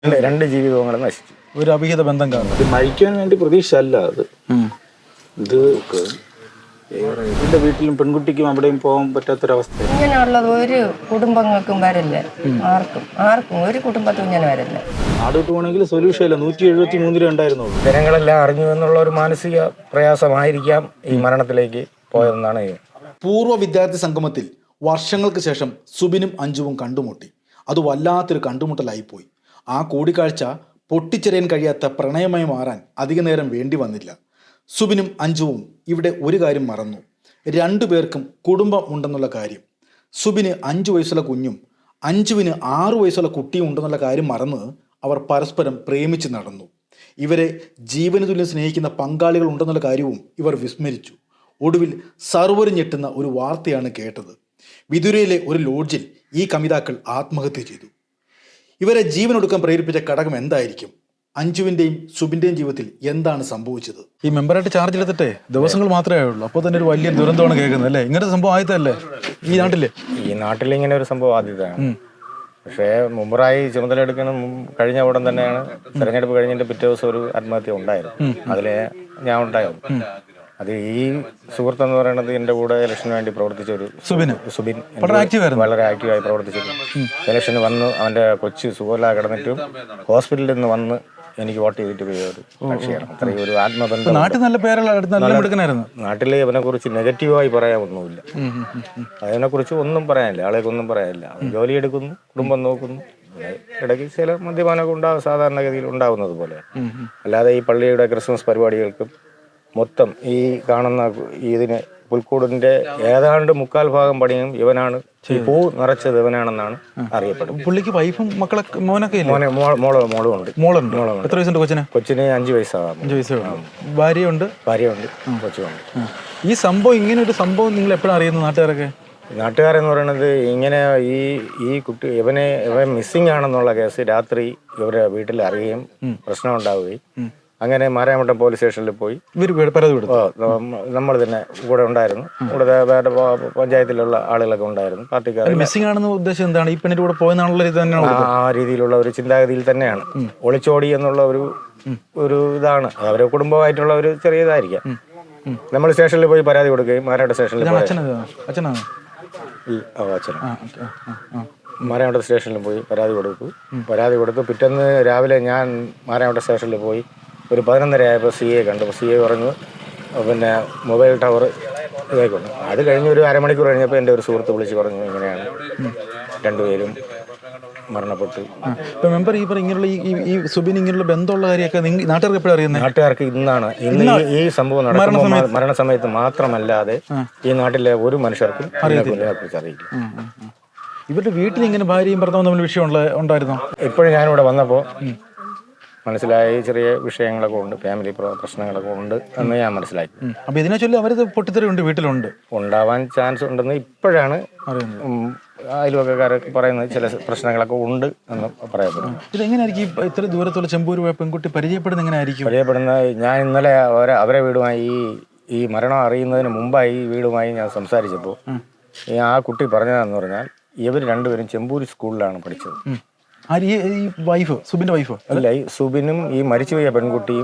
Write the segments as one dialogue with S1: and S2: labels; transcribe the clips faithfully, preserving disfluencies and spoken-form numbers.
S1: രണ്ട് ജീവിതങ്ങളും നശിച്ചു.
S2: ഒരു അഭിഹിത ബന്ധം കാരണം
S1: ഇത് മരിക്കാൻ വേണ്ടി പ്രതീക്ഷ അല്ല അത്. ഇത് എന്റെ വീട്ടിലും പെൺകുട്ടിക്കും അവിടെയും പോകാൻ പറ്റാത്തൊരവസ്ഥ.
S3: ഇങ്ങനെയുള്ളത് ഒരു കുടുംബങ്ങൾക്കും വരില്ല. ആർക്കും ആർക്കും ഒരു കുടുംബത്തും ഇങ്ങനെ വരില്ല.
S1: നാടോട്ട് പോകണമെങ്കിൽ സൊല്യൂഷൻ ഇല്ല. നൂറ്റി എഴുപത്തി മൂന്നിലും ഉണ്ടായിരുന്നുള്ളൂ. ജനങ്ങളെല്ലാം അറിഞ്ഞു എന്നുള്ള ഒരു മാനസിക പ്രയാസമായിരിക്കാം ഈ മരണത്തിലേക്ക് പോയതെന്നാണ്.
S4: പൂർവ്വ വിദ്യാർത്ഥി സംഗമത്തിൽ വർഷങ്ങൾക്ക് ശേഷം സുബിനും അഞ്ജുവും കണ്ടുമുട്ടി. അത് വല്ലാത്തൊരു കണ്ടുമുട്ടലായിപ്പോയി. ആ കൂടിക്കാഴ്ച പൊട്ടിച്ചെറിയാൻ കഴിയാത്ത പ്രണയമായി മാറാൻ അധിക നേരം വേണ്ടി വന്നില്ല. സുബിനും അഞ്ജുവും ഇവിടെ ഒരു കാര്യം മറന്നു. രണ്ടു പേർക്കും കുടുംബം ഉണ്ടെന്നുള്ള കാര്യം. സുബിന് അഞ്ചു വയസ്സുള്ള കുഞ്ഞും അഞ്ജുവിന് ആറു വയസ്സുള്ള കുട്ടിയും ഉണ്ടെന്നുള്ള കാര്യം മറന്ന് അവർ പരസ്പരം പ്രേമിച്ച് നടന്നു. ഇവരെ ജീവന തുല്യം സ്നേഹിക്കുന്ന പങ്കാളികൾ ഉണ്ടെന്നുള്ള കാര്യവും ഇവർ വിസ്മരിച്ചു. ഒടുവിൽ സർവ്വരും ഞെട്ടുന്ന ഒരു വാർത്തയാണ് കേട്ടത്. വിതുരയിലെ ഒരു ലോഡ്ജിൽ ഈ കമിതാക്കൾ ആത്മഹത്യ ചെയ്തു. ഇവരെ ജീവനൊടുക്കാൻ പ്രേരിപ്പിച്ച ഘടകം എന്തായിരിക്കും? അഞ്ജുവിൻ്റെയും സുബിൻ്റെയും ജീവിതത്തിൽ എന്താണ് സംഭവിച്ചത്?
S2: ഈ മെമ്പറായിട്ട് ചാർജ് എടുത്തിട്ടേ ദിവസങ്ങൾ മാത്രമേ ഉള്ളൂ. അപ്പോൾ തന്നെ ഒരു വലിയ ദുരന്തമാണ് കേൾക്കുന്നത് അല്ലേ? ഇങ്ങനത്തെ സംഭവം ആദ്യത്തല്ലേ ഈ നാട്ടില്?
S1: ഈ നാട്ടിൽ ഇങ്ങനെ ഒരു സംഭവം ആദ്യത്താണ്. പക്ഷേ മുമ്പറായി ചുമതല എടുക്കണം കഴിഞ്ഞ ഉടൻ തന്നെയാണ് തെരഞ്ഞെടുപ്പ് കഴിഞ്ഞിട്ട് പിറ്റേ ദിവസം ഒരു ആത്മഹത്യ ഉണ്ടായിരുന്നു. അതിലെ ഞാൻ ഉണ്ടായിരുന്നു. അത് ഈ സുഹൃത്ത് എന്ന് പറയുന്നത് എന്റെ കൂടെ ഇലക്ഷന് വേണ്ടി പ്രവർത്തിച്ച ഒരു സുബിൻ സുബിൻ വളരെ ആക്റ്റീവായി പ്രവർത്തിച്ചിരുന്നു. ഇലക്ഷന് വന്ന് അവന്റെ കൊച്ചു സുഖമില്ലാതെ കിടന്നിട്ടും ഹോസ്പിറ്റലിൽ നിന്ന് വന്ന് എനിക്ക് വോട്ട് ചെയ്തിട്ട് പോയ ഒരു കക്ഷിയാണ്. അത്രയും ഒരു ആത്മബന്ധം. നാട്ടിലെ അവനെ കുറിച്ച് നെഗറ്റീവായി പറയാൻ ഒന്നുമില്ല. അതിനെ കുറിച്ച് ഒന്നും പറയാനില്ല. ആളെയൊക്കെ ഒന്നും പറയാനില്ല. ജോലി എടുക്കുന്നു, കുടുംബം നോക്കുന്നു. ഇടയ്ക്ക് ചില മദ്യപാനമൊക്കെ ഉണ്ടാവും, സാധാരണഗതിയിൽ ഉണ്ടാവുന്നത് പോലെ. അല്ലാതെ ഈ പള്ളിയുടെ ക്രിസ്മസ് പരിപാടികൾക്കും മൊത്തം ഈ കാണുന്ന ഇതിന് പുൽക്കൂടിന്റെ ഏതാണ്ട് മുക്കാൽ ഭാഗം പണിയും ഇവനാണ്. ഈ പൂ നിറച്ചത് ഇവനാണെന്നാണ് അറിയപ്പെടുന്നത്.
S2: പുള്ളിക്ക് വൈഫും മക്കളൊക്കെ മോനൊക്കെ
S1: മോനെ മോളോ മോളും ഉണ്ട്.
S2: മോളുണ്ട്. എത്ര വയസ്സുണ്ട് കൊച്ചിന്?
S1: കൊച്ചിന് അഞ്ചു വയസ്സാകാം.
S2: അഞ്ചു വയസ്സ്. ഭാര്യയുണ്ട്?
S1: ഭാര്യയുണ്ട്, കൊച്ചുണ്ട്.
S2: ഈ സംഭവം ഇങ്ങനെ ഒരു സംഭവം നിങ്ങൾ എപ്പോഴും അറിയുന്നു നാട്ടുകാരൊക്കെ?
S1: നാട്ടുകാരെന്ന് പറയുന്നത് ഇങ്ങനെ ഈ ഈ കുട്ടി ഇവനെ ഇവൻ മിസ്സിംഗ് ആണെന്നുള്ള കേസ് രാത്രി ഇവരെ വീട്ടിൽ അറിയുകയും പ്രശ്നം ഉണ്ടാവുകയും അങ്ങനെ മാരാമട്ടം പോലീസ് സ്റ്റേഷനിൽ പോയി നമ്മൾ തന്നെ കൂടെ ഉണ്ടായിരുന്നു. കൂടെ വേറെ പഞ്ചായത്തിലുള്ള ആളുകളൊക്കെ ഉണ്ടായിരുന്നു. പാർട്ടിക്കാർ.
S2: മിസ്സിംഗ് ആണെന്ന് ഉദ്ദേശം എന്താണ്? ഈ പെണ്ണിന്റെ കൂടെ പോയെന്നുള്ള
S1: ആ രീതിയിലുള്ള ഒരു ചിന്താഗതിയിൽ തന്നെയാണ്. ഒളിച്ചോടി എന്നുള്ള ഒരു ഒരു ഇതാണ്. അവരെ കുടുംബമായിട്ടുള്ള ഒരു ചെറിയ ഇതായിരിക്കാം. നമ്മൾ സ്റ്റേഷനിൽ പോയി പരാതി കൊടുക്കുകയും മാരാമട്ടം സ്റ്റേഷനിൽ
S2: അച്ഛനാണ്
S1: ഈ അച്ഛൻ മാരാമട്ടം സ്റ്റേഷനിൽ പോയി പരാതി കൊടുത്തു. പരാതി കൊടുത്തു പിറ്റേന്ന് രാവിലെ ഞാൻ മാരാമട്ടം സ്റ്റേഷനിൽ പോയി ഒരു പതിനൊന്നര ആയപ്പോൾ സി എ കണ്ടു. സി എ പറഞ്ഞു പിന്നെ മൊബൈൽ ടവർ ഇതായിക്കൊണ്ട്. അത് കഴിഞ്ഞ് ഒരു അരമണിക്കൂർ കഴിഞ്ഞപ്പോൾ എൻ്റെ ഒരു സുഹൃത്ത് വിളിച്ച് പറഞ്ഞു ഇങ്ങനെയാണ് രണ്ടുപേരും മരണപ്പെട്ടു.
S2: മെമ്പർ ഈ ഇങ്ങനെയുള്ള ഈ സുബിൻ ഇങ്ങനെയുള്ള ബന്ധമുള്ള കാര്യമൊക്കെ നാട്ടുകാർക്ക് എപ്പോഴും അറിയുന്നത്?
S1: നാട്ടുകാർക്ക് ഇന്നാണ് ഇന്ന് ഈ സംഭവം നടക്കുമ്പോൾ മരണസമയത്ത് മാത്രമല്ലാതെ ഈ നാട്ടിലെ ഒരു മനുഷ്യർക്കും അതിനെക്കുറിച്ച് അറിയില്ല.
S2: ഇവരുടെ വീട്ടിൽ ഇങ്ങനെ ഭാര്യയും ഭർത്താവും തമ്മിൽ വിഷയം ഉണ്ടായിരുന്നോ?
S1: ഇപ്പോഴും ഞാനിവിടെ വന്നപ്പോൾ മനസ്സിലായി ചെറിയ വിഷയങ്ങളൊക്കെ ഉണ്ട്, ഫാമിലി പ്രശ്നങ്ങളൊക്കെ ഉണ്ട് എന്ന് ഞാൻ മനസ്സിലാക്കി.
S2: അപ്പൊ ഇതിനെ ചൊല്ലി അവരത് പൊട്ടിത്തെറിയുണ്ട് വീട്ടിലുണ്ട്,
S1: ഉണ്ടാവാൻ ചാൻസ് ഉണ്ടെന്ന് ഇപ്പോഴാണ് അയൽവക്കക്കാരൊക്കെ പറയുന്നത്. ചില പ്രശ്നങ്ങളൊക്കെ ഉണ്ട് എന്ന് പറയപ്പെടുന്നു.
S2: ഇതെങ്ങനെയായിരിക്കും ഇത്ര ദൂരത്തുള്ള ചെമ്പൂര് പോയ പെൺകുട്ടി പരിചയപ്പെടുന്നത്? എങ്ങനെയായിരിക്കും
S1: പരിചയപ്പെടുന്നത്? ഞാൻ ഇന്നലെ അവരെ അവരെ വീടുമായി ഈ ഈ മരണം അറിയുന്നതിന് മുമ്പായി ഈ വീടുമായി ഞാൻ സംസാരിച്ചപ്പോൾ ആ കുട്ടി പറഞ്ഞതെന്ന് പറഞ്ഞാൽ ഇവർ രണ്ടുപേരും ചെമ്പൂര് സ്കൂളിലാണ് പഠിച്ചത്.
S2: വൈഫ് സുബിന്റെ വൈഫ്
S1: അല്ല, ഈ സുബിനും ഈ മരിച്ചുപോയ പെൺകുട്ടിയും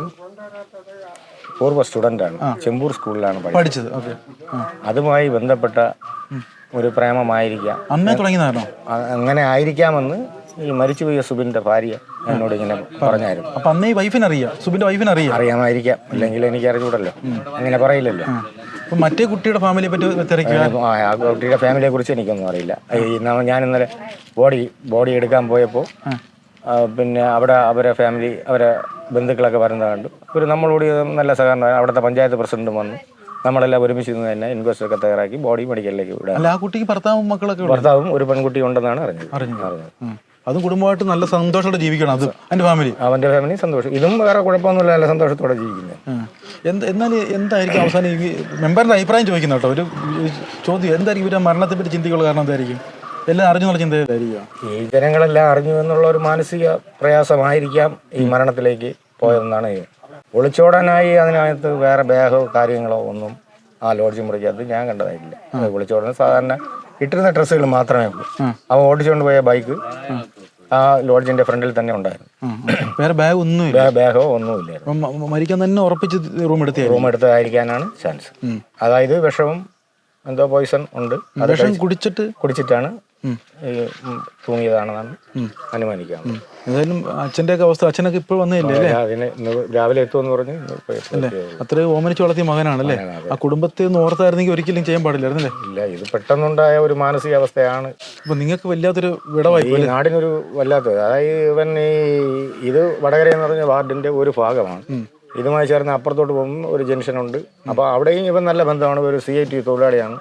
S1: പൂർവ്വ സ്റ്റുഡൻ്റാണ്. ചെമ്പൂർ സ്കൂളിലാണ് പഠിച്ചത്. അതുമായി ബന്ധപ്പെട്ട ഒരു പ്രേമമായിരിക്കാം.
S2: അമ്മ തുടങ്ങിയതാണോ?
S1: അങ്ങനെ ആയിരിക്കാമെന്ന് ഈ മരിച്ചുപോയ സുബിന്റെ ഭാര്യ എന്നോട് ഇങ്ങനെ പറഞ്ഞായിരുന്നു.
S2: അപ്പൊ അന്നേ വൈഫിന് അറിയാം, സുബിന്റെ വൈഫിന് അറിയാം.
S1: അറിയാമായിരിക്കാം, അല്ലെങ്കിൽ എനിക്ക് അറിഞ്ഞൂടല്ലോ, അങ്ങനെ പറയില്ലല്ലോ.
S2: മറ്റേ കുട്ടിയുടെ ഫാമിലിയെ പറ്റി
S1: ആ കുട്ടിയുടെ ഫാമിലിയെ കുറിച്ച് എനിക്കൊന്നും അറിയില്ല. ഞാൻ ഇന്നലെ ബോഡി ബോഡി എടുക്കാൻ പോയപ്പോൾ പിന്നെ അവിടെ അവരെ ഫാമിലി അവരെ ബന്ധുക്കളൊക്കെ വരുന്നത് കണ്ടു. ഒരു നമ്മളോട് നല്ല സഹകരണം. അവിടുത്തെ പഞ്ചായത്ത് പ്രസിഡന്റും വന്നു. നമ്മളെല്ലാം ഒരുമിച്ച് നിന്ന് തന്നെ ഇൻക്വസ്റ്റ് ഒക്കെ തയ്യാറാക്കി ബോഡി മെഡിക്കലിലേക്ക് വിടാം.
S2: ആ കുട്ടിക്ക് ഭർത്താവും മക്കളൊക്കെ
S1: ഭർത്താവും ഒരു പെൺകുട്ടി ഉണ്ടെന്നാണ് അറിഞ്ഞത്.
S2: അറിഞ്ഞത് അതും കുടുംബമായിട്ട് നല്ല സന്തോഷത്തോടെ ജീവിക്കണം. അത് എൻ്റെ ഫാമിലി
S1: അവൻ്റെ ഫാമിലി സന്തോഷം. ഇതും വേറെ കുഴപ്പമൊന്നുമില്ല, നല്ല സന്തോഷത്തോടെ ജീവിക്കുന്നത്.
S2: എന്ത് എന്നാൽ എന്തായിരിക്കും അവസാനം ഈ മെമ്പറിൻ്റെ അഭിപ്രായം ചോദിക്കുന്ന കേട്ടോ ഒരു ചോദ്യം? എന്തായിരിക്കും ഇവരുടെ മരണത്തെ പറ്റി ചിന്തിക്കുള്ള കാരണം? എന്തായിരിക്കും? എല്ലാം അറിഞ്ഞുള്ള ചിന്തയായിരിക്കും.
S1: ഈ ജനങ്ങളെല്ലാം അറിഞ്ഞു എന്നുള്ള ഒരു മാനസിക പ്രയാസമായിരിക്കാം ഈ മരണത്തിലേക്ക് പോയതെന്നാണ്. ഒളിച്ചോടാനായി അതിനകത്ത് വേറെ ബാഗോ കാര്യങ്ങളോ ഒന്നും ആ ലോഡ്ജ് മുറിക്കകത്ത് ഞാൻ കണ്ടതായിട്ടില്ല. ഒളിച്ചോടുന്ന സാധാരണ ഇട്ടിരുന്ന ഡ്രസ്സുകൾ മാത്രമേ ഉള്ളൂ. അവൻ ഓടിച്ചുകൊണ്ട് പോയ ബൈക്ക് ആ ലോഡ്ജിന്റെ ഫ്രണ്ടിൽ തന്നെ ഉണ്ടായിരുന്നു.
S2: വേറെ ബാഗ് ഒന്നുമില്ല,
S1: ബാ- ബാഗോ ഒന്നുമില്ലായിരുന്നു.
S2: അപ്പം മ- മരിക്കാൻ തന്നെ ഉറപ്പിച്ച് റൂം എടുത്തേ.
S1: റൂം എടുത്തായിരിക്കാനാണ് ചാൻസ്. അതായത് വിഷവും എന്തോ പോയിസൺ ഉണ്ട്, അത്
S2: വിഷം കുടിച്ചിട്ട്
S1: കുടിച്ചിട്ടാണ് ഈ ഉം തൂങ്ങിയതാണെന്നാണ് അനുമാനിക്കാം.
S2: ഏതായാലും അച്ഛൻ്റെ ഒക്കെ അവസ്ഥ, അച്ഛനൊക്കെ ഇപ്പോൾ വന്നേയില്ലേ അല്ലേ?
S1: അതിന് ഇന്ന് രാവിലെ എത്തുമെന്ന് പറഞ്ഞ് ഇന്ന് ഇപ്പൊ എത്തിയതേ ഉള്ളൂ.
S2: അത്രയും ഓമനിച്ച് വളർത്തിയ മകനാണല്ലേ? ആ കുടുംബത്തെ ഒന്ന് ഓർത്തായിരുന്നെങ്കിൽ ഒരിക്കലും ചെയ്യാൻ പാടില്ലായിരുന്നല്ലേ?
S1: ഇല്ല, ഇത് പെട്ടെന്നുണ്ടായ ഒരു മാനസികാവസ്ഥയാണ്.
S2: അപ്പൊ നിങ്ങൾക്ക് വല്ലാത്തൊരു വിടവായി.
S1: ഈ നാടിനൊരു വല്ലാത്തത്. അതായത് ഇവൻ ഈ ഇത് വടകര എന്ന് പറഞ്ഞ വാർഡിന്റെ ഒരു ഭാഗമാണ്. ഇതുമായി ചേർന്ന് അപ്പുറത്തോട്ട് പോകുമ്പോൾ ഒരു ജംഗ്ഷനുണ്ട്. അപ്പോൾ അവിടെയും ഇവൻ നല്ല ബന്ധമാണ്. ഒരു സി ഐ ടി തൊഴിലാളിയാണ്.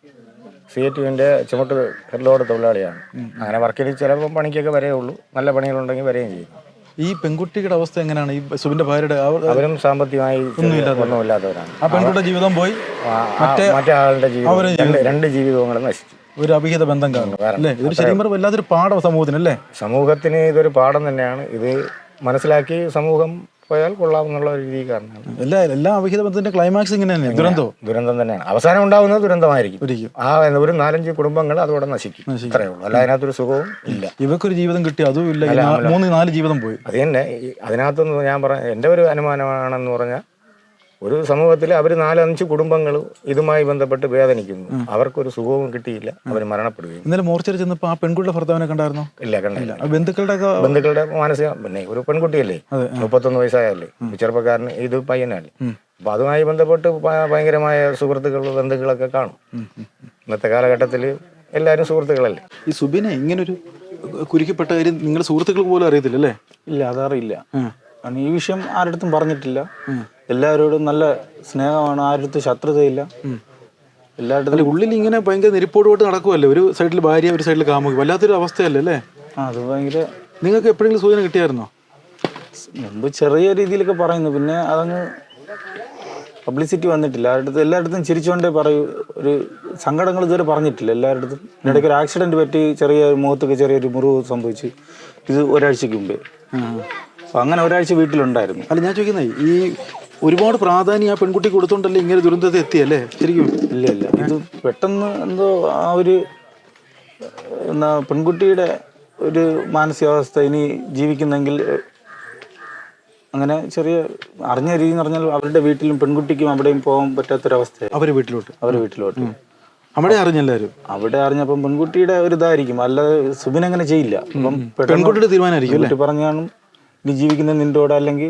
S1: സി ഐ ടിന്റെ ചുമട്ട് ഹെഡ്ലോഡ് തൊഴിലാളിയാണ്. അങ്ങനെ വർക്കിൽ ചിലപ്പോൾ പണിക്കൊക്കെ വരേ ഉള്ളൂ, നല്ല പണികളുണ്ടെങ്കിൽ വരെയും ചെയ്യും.
S2: ഈ പെൺകുട്ടിയുടെ അവസ്ഥ എങ്ങനെയാണ്? ഈ സുബിന്റെ ഭാര്യയുടെ അവർ-
S1: അവരും സാമ്പത്തികമായി ഒന്നുമില്ലാത്തവരാണ്.
S2: ആ പെൺകുട്ടിയുടെ ജീവിതം പോയി,
S1: മറ്റേ മറ്റേ ആളുടെ ജീവിതം, രണ്ട് രണ്ട് ജീവിതങ്ങളും നശിച്ചു.
S2: ഒരു അഭിഹിത ബന്ധം കാരണം അല്ലേ? ഇതൊരു ശരിക്കും പറഞ്ഞാൽ വല്ലാത്തൊരു പാഠം സമൂഹത്തിനല്ലേ?
S1: സമൂഹത്തിന് ഇതൊരു പാഠം തന്നെയാണ്. ഇത് മനസ്സിലാക്കി സമൂഹം പോയാൽ കൊള്ളാമെന്നുള്ള ഒരു രീതി കാരണമാണ്.
S2: എല്ലാ എല്ലാ അഭിഹിത ബന്ധത്തിന്റെ ക്ലൈമാക്സ് ഇങ്ങനെ തന്നെ ദുരന്തോ
S1: ദുരന്തം തന്നെയാണ്. അവസാനം ഉണ്ടാകുന്നത് ദുരന്തമായിരിക്കും.
S2: ഒരിക്കും
S1: ആ ഒരു നാലഞ്ച് കുടുംബങ്ങൾ അതോടെ നശിക്കും. അത്രയേ ഉള്ളൂ. അല്ല അതിനകത്തൊരു സുഖവും ഇല്ല.
S2: ഇവക്കൊരു ജീവിതം കിട്ടി, അതും ഇല്ല. ഈ നാ- മൂന്ന് നാല് ജീവിതം പോയി.
S1: അത് തന്നെ ഈ- അതിനകത്തൊന്ന് ഞാൻ പറഞ്ഞ എൻ്റെ ഒരു അനുമാനമാണെന്ന് പറഞ്ഞാൽ, ഒരു സമൂഹത്തിൽ അവർ നാലഞ്ച് കുടുംബങ്ങൾ ഇതുമായി ബന്ധപ്പെട്ട് വേദനിക്കുന്നു. അവർക്കൊരു സുഖവും കിട്ടിയില്ല, അവർ മരണപ്പെടുകയും.
S2: ഇന്നലെ മോർച്ചറി ചെന്നപ്പോ ആ പെൺകുട്ടിയുടെ ഭർത്താവിനെ കണ്ടായിരുന്നോ?
S1: ഇല്ല, കണ്ടില്ല.
S2: ആ ബന്ധുക്കളുടെ ഒക്കെ
S1: ബന്ധുക്കളുടെ മാനസിക, പിന്നെ ഒരു പെൺകുട്ടിയല്ലേ, മുപ്പത്തൊന്ന് വയസ്സായല്ലേ, ചെറുപ്പക്കാരന്, ഇത് പയ്യനല്ലേ. അപ്പൊ അതുമായി ബന്ധപ്പെട്ട് ഭ- ഭയങ്കരമായ സുഹൃത്തുക്കൾ, ബന്ധുക്കളൊക്കെ കാണും. ഇന്നത്തെ കാലഘട്ടത്തിൽ എല്ലാവരും സുഹൃത്തുക്കളല്ലേ.
S2: ഈ സുബിനെ ഇങ്ങനൊരു കുരുക്കിപ്പെട്ട കാര്യം നിങ്ങളുടെ സുഹൃത്തുക്കൾക്ക് പോലും അറിയത്തില്ല അല്ലേ?
S5: ഇല്ല, അതറിയില്ല. കാരണം ഈ വിഷയം ആരുടെ അടുത്തും പറഞ്ഞിട്ടില്ല. എല്ലാവരോടും നല്ല സ്നേഹമാണ്, ആരുടെ ശത്രുതയില്ല. എല്ലാവരുടെ
S2: അല്ല, ഉള്ളിൽ ഇങ്ങനെ ഭയങ്കര നെരിപ്പോട് പോയിട്ട് നടക്കുമല്ലേ? ഒരു സൈഡിൽ ഭാര്യ, ഒരു സൈഡിൽ കാമുകി, വല്ലാത്തൊരു അവസ്ഥയല്ലേ അല്ലേ?
S5: ആ അത് ഭയങ്കര.
S2: നിങ്ങൾക്ക് എപ്പോഴെങ്കിലും സൂചന കിട്ടിയായിരുന്നോ?
S5: മുമ്പ് ചെറിയ രീതിയിലൊക്കെ പറയുന്നു, പിന്നെ അതങ്ങ് പബ്ലിസിറ്റി വന്നിട്ടില്ല. ആരുടെ എല്ലായിടത്തും ചിരിച്ചുകൊണ്ടേ പറയൂ. ഒരു സങ്കടങ്ങൾ ഇതുവരെ പറഞ്ഞിട്ടില്ല എല്ലായിടത്തും. ഇടയ്ക്ക് ഒരു ആക്സിഡന്റ് പറ്റി, ചെറിയ മുഖത്തൊക്കെ ചെറിയൊരു മുറിവ് സംഭവിച്ചു. ഇത് ഒരാഴ്ചക്ക് മുമ്പേ. അപ്പൊ അങ്ങനെ ഒരാഴ്ച വീട്ടിലുണ്ടായിരുന്നു.
S2: അല്ല, ഞാൻ ചോദിക്കുന്നത് ഈ ഒരുപാട് പ്രാധാന്യം ആ പെൺകുട്ടി കൊടുത്തോണ്ടല്ലേ ഇങ്ങനെ ദുരന്തത്തെ എത്തിയല്ലേ ശരിക്കും?
S5: ഇല്ല ഇല്ല ഇത് പെട്ടെന്ന് എന്തോ ആ ഒരു എന്നാ പെൺകുട്ടിയുടെ ഒരു മാനസികാവസ്ഥ ഇനി ജീവിക്കുന്നെങ്കിൽ അങ്ങനെ ചെറിയ അറിഞ്ഞ രീതി എന്ന് പറഞ്ഞാൽ അവരുടെ വീട്ടിലും പെൺകുട്ടിക്കും അവിടെയും പോകാൻ പറ്റാത്തൊരവസ്ഥ.
S2: അവരെ വീട്ടിലോട്ട്
S5: അവരുടെ വീട്ടിലോട്ട്
S2: അവിടെ അറിഞ്ഞെല്ലാരും.
S5: അവിടെ അറിഞ്ഞപ്പം പെൺകുട്ടിയുടെ ഒരു ഇതായിരിക്കും, അല്ലാതെ സുബിൻ അങ്ങനെ ചെയ്യില്ല. അപ്പം
S2: പെൺകുട്ടിയുടെ തീരുമാനമായിരിക്കും
S5: പെൺകുട്ടി പറഞ്ഞാണ് ഇനി ജീവിക്കുന്ന നിന്റെ കൂടെ അല്ലെങ്കിൽ.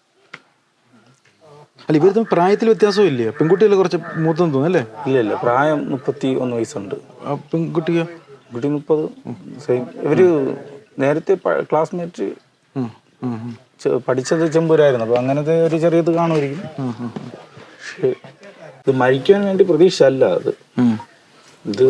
S2: അല്ല, ഇവർ പ്രായത്തിൽ വ്യത്യാസവും ഇല്ലേ? പെൺകുട്ടികൾ കുറച്ച് മൂത്തെന്ന് തോന്നുന്നു അല്ലേ?
S5: ഇല്ല ഇല്ല പ്രായം മുപ്പത്തി ഒന്ന് വയസ്സുണ്ട്.
S2: ആ പെൺകുട്ടിയോ?
S5: കുട്ടി മുപ്പത്. സെയിം. ഇവര് നേരത്തെ ക്ലാസ്മേറ്റ് പഠിച്ചത് ചെമ്പൂരായിരുന്നു. അപ്പൊ അങ്ങനത്തെ ഒരു ചെറിയത് കാണുമായിരിക്കും. പക്ഷെ ഇത് മരിക്കാൻ വേണ്ടി പ്രതീക്ഷ അല്ല അത്. ഇത്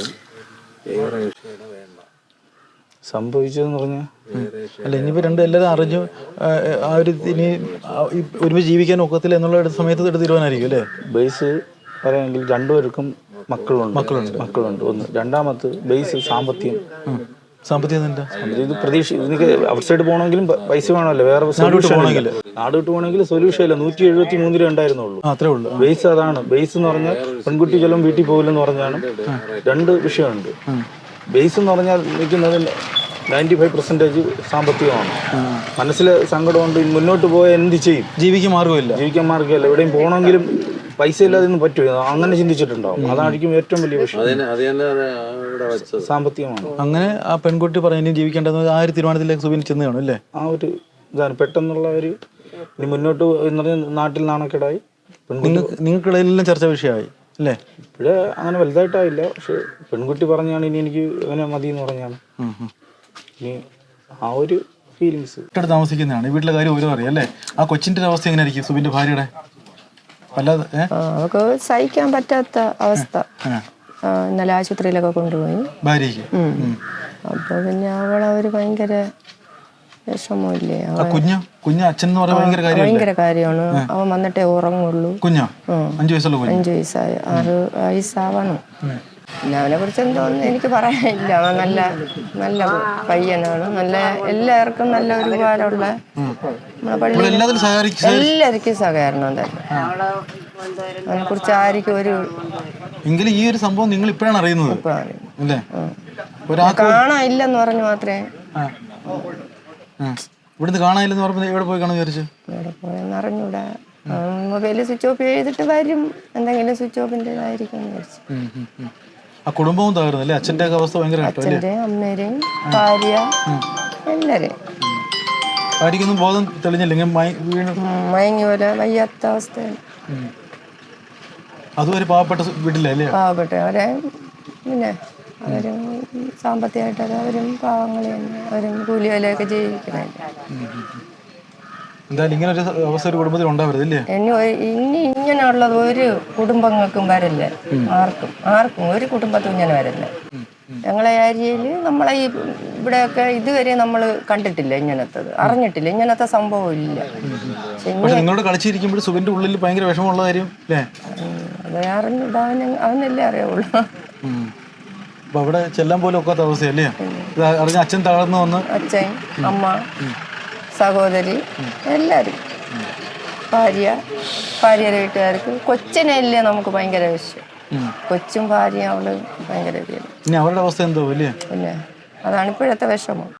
S5: സംഭവിച്ചതെന്ന് പറഞ്ഞാൽ
S2: അല്ല, ഇനിയിപ്പോ രണ്ട് എല്ലാവരും അറിഞ്ഞു ആ ഒരു ഇനി ഒരുമിച്ച് ജീവിക്കാൻ ഒക്കത്തില്ല എന്നുള്ള സമയത്ത് എടുത്ത് തീരുമാനമായിരിക്കും അല്ലേ?
S5: ബേസ് പറയാമെങ്കിൽ രണ്ടുപേർക്കും മക്കളുണ്ട് മക്കളുണ്ട് മക്കളുണ്ട് ഒന്ന്. രണ്ടാമത് ബേസ് സാമ്പത്തികം.
S2: സാമ്പത്തികം എന്താ?
S5: ഇത് പ്രതീക്ഷ എനിക്ക് ഔട്ട് സൈഡ് പോകണമെങ്കിലും പൈസ വേണമല്ലോ. വേറെ സൊല്യൂഷൻ പോകണമെങ്കിൽ നാട് വിട്ട് പോകണമെങ്കിൽ സൊല്യൂഷൻ ഇല്ല. നൂറ്റി എഴുപത്തി മൂന്നിലേ ഉണ്ടായിരുന്നുള്ളൂ.
S2: അത്രേ ഉള്ളൂ.
S5: ബേസ് അതാണ്. ബേസ് എന്ന് പറഞ്ഞാൽ പെൺകുട്ടി ചെല്ലും വീട്ടിൽ പോകില്ലെന്ന് പറഞ്ഞാണ്. രണ്ട് വിഷയമുണ്ട്. ബേസ് എന്ന് പറഞ്ഞാൽ നിൽക്കുന്നത് നയൻറ്റി ഫൈവ് പെർസെൻറ്റേജ് സാമ്പത്തികമാണ്. മനസ്സിലെ സങ്കടമുണ്ട്. മുന്നോട്ട് പോയാൽ എന്ത് ചെയ്യും?
S2: ജീവിക്കാൻ മാർഗമില്ല.
S5: ജീവിക്കാൻ മാർഗമില്ല. എവിടെയും പോകണമെങ്കിലും പൈസ ഇല്ലാതെ ഒന്നും പറ്റുമോ? അങ്ങനെ ചിന്തിച്ചിട്ടുണ്ടാവും. അതായിരിക്കും ഏറ്റവും വലിയ വിഷയം. സാമ്പത്തികമാണ്.
S2: അങ്ങനെ ആ പെൺകുട്ടി പറഞ്ഞു ഇനി ജീവിക്കേണ്ടത് ആ ഒരു തീരുമാനത്തിലേക്ക് സുബിൻ ചെന്ന് കാണും അല്ലേ?
S5: ആ ഒരു ഇതാണ് പെട്ടെന്നുള്ള ഒരു ഇനി മുന്നോട്ട് എന്ന് പറഞ്ഞാൽ നാട്ടിൽ നാണക്കേടായി.
S2: നിങ്ങൾക്ക് നിങ്ങൾക്കിടയിലെല്ലാം ചർച്ചാ വിഷയമായി അല്ലേ?
S5: ഇപ്പോഴേ അങ്ങനെ വലുതായിട്ടായില്ല. പക്ഷെ പെൺകുട്ടി പറഞ്ഞാണ് ഇനി എനിക്ക് അങ്ങനെ മതി എന്ന് പറഞ്ഞാണ്. ഇനി ആ ഒരു ഫീലിങ്സ്
S2: തൊട്ടടുത്ത് താമസിക്കുന്നതാണ്. ഈ വീട്ടിലെ കാര്യം ഓരോ അറിയാം അല്ലേ? ആ കൊച്ചിന്റെ അവസ്ഥ എങ്ങനെയായിരിക്കും സുബിന്റെ ഭാര്യയുടെ? വല്ലാതെ
S3: അവർക്ക് സഹിക്കാൻ പറ്റാത്ത അവസ്ഥ. ഇന്നലെ ആശുപത്രിയിലൊക്കെ കൊണ്ടുപോയി
S2: ഭാര്യയ്ക്ക്.
S3: അപ്പൊ പിന്നെ അവളൊരു ഭയങ്കര വിഷമമില്ലേ?
S2: കുഞ്ഞു കുഞ്ഞു അച്ഛൻ എന്ന് പറയാൻ ഭയങ്കര കാര്യം
S3: ഭയങ്കര കാര്യമാണ്. അവൻ വന്നിട്ടേ ഉറങ്ങുള്ളൂ.
S2: കുഞ്ഞോ? അഞ്ചു വയസ്സുള്ള കുഞ്ഞ്.
S3: അഞ്ചു വയസ്സായി ആറ് വയസ്സാവണം. പിന്നെ അവനെ കുറിച്ച് എന്തോന്ന് എനിക്ക് പറയാനില്ല. അവൻ നല്ല നല്ല പയ്യനാണ്. നല്ല എല്ലാവർക്കും നല്ല ഒരു ഉപകാരമുള്ള നമ്മളെ പള്ളി എല്ലാവർക്കും സഹകരണം തന്നെ. അവനെ കുറിച്ച് ആർക്കും ഒരു
S2: എങ്കിലും ഈ ഒരു സംഭവം നിങ്ങൾ ഇപ്പോഴാണ് അറിയുന്നത് അല്ലേ?
S3: കാണാനില്ലെന്ന് പറഞ്ഞു മാത്രമേ
S2: ആ ഇവിടുന്ന് കാണാനില്ലെന്ന് പറഞ്ഞപ്പോൾ എവിടെ പോയി കാണാൻ വിചാരിച്ചു?
S3: ഇവിടെ പോയെന്ന് അറിഞ്ഞൂടാ. മൊബൈലിൽ സ്വിച്ച് ഓഫ് ചെയ്തിട്ട് വരും, എന്തെങ്കിലും സ്വിച്ച് ഓഫിൻ്റെതായിരിക്കും എന്ന് വിചാരിച്ചു.
S2: ആ കുടുംബവും തകർന്നു അല്ലേ? അച്ഛൻ്റെ ഒക്കെ അവസ്ഥ ഭയങ്കര കേട്ടോ അല്ലേ?
S3: അച്ഛൻ്റെയും അമ്മേരെയും ഭാര്യ എല്ലാവരെയും.
S2: ഭാര്യയ്ക്കൊന്നും ബോധം തെളിഞ്ഞില്ല, ഇങ്ങനെ മയ- വീണ്
S3: മയങ്ങി പോലെ വയ്യാത്ത അവസ്ഥയാണ്.
S2: അതും ഒരു പാവപ്പെട്ട സ് വീട്ടിലല്ലേ അല്ലേ?
S3: പാവപ്പെട്ട അവരെ പിന്നെ അവരും സാമ്പത്തികമായിട്ട് അവരും പാവങ്ങൾ തന്നെ, അവരും കൂലി വിലയൊക്കെ ജീവിക്കണല്ലേ.
S2: എന്തായാലും ഇങ്ങനെ ഒരു അവസ്ഥ ഒരു കുടുംബത്തിൽ ഉണ്ടാവരുത് ഇല്ലേ?
S3: ഇനി ഒ- ഇനി ഇങ്ങനെയുള്ളത് ഒരു കുടുംബങ്ങൾക്കും വരില്ല, ആർക്കും ആർക്കും ഒരു കുടുംബത്തും ഇങ്ങനെ വരില്ല. ഞങ്ങളെ ഏരിയയിൽ നമ്മളെ ഈ ഇവിടെയൊക്കെ ഇതുവരെ നമ്മൾ കണ്ടിട്ടില്ല, ഇങ്ങനത്തത് അറിഞ്ഞിട്ടില്ല, ഇങ്ങനത്തെ സംഭവം ഇല്ല. പക്ഷെ
S2: പക്ഷെ നിങ്ങളോട് കളിച്ചിരിക്കുമ്പോൾ സുബിന്റെ ഉള്ളിൽ ഭയങ്കര വിഷമമുള്ള കാര്യം അല്ലേ?
S3: അത് അറിഞ്ഞിട്ട് അവന് അവനല്ലേ അറിയാവുള്ളൂ.
S2: അപ്പൊ അവിടെ ചെല്ലാൻ പോലും ഒക്കാത്ത അവസ്ഥയല്ലേ? ഇത് അറിഞ്ഞ അച്ഛൻ തളർന്നു വന്ന്
S3: അച്ഛൻ, അമ്മ, സഹോദരി എല്ലാവരും, ഭാര്യ, ഭാര്യയുടെ വീട്ടുകാർക്ക്, കൊച്ചിനല്ലേ നമുക്ക് ഭയങ്കര വിഷയം. കൊച്ചും ഭാര്യയും അവള് ഭയങ്കര പേര്.
S2: ഇനി അവരുടെ അവസ്ഥ എന്തോ അല്ലേ?
S3: പിന്നെ അതാണ് ഇപ്പോഴത്തെ വിഷമം.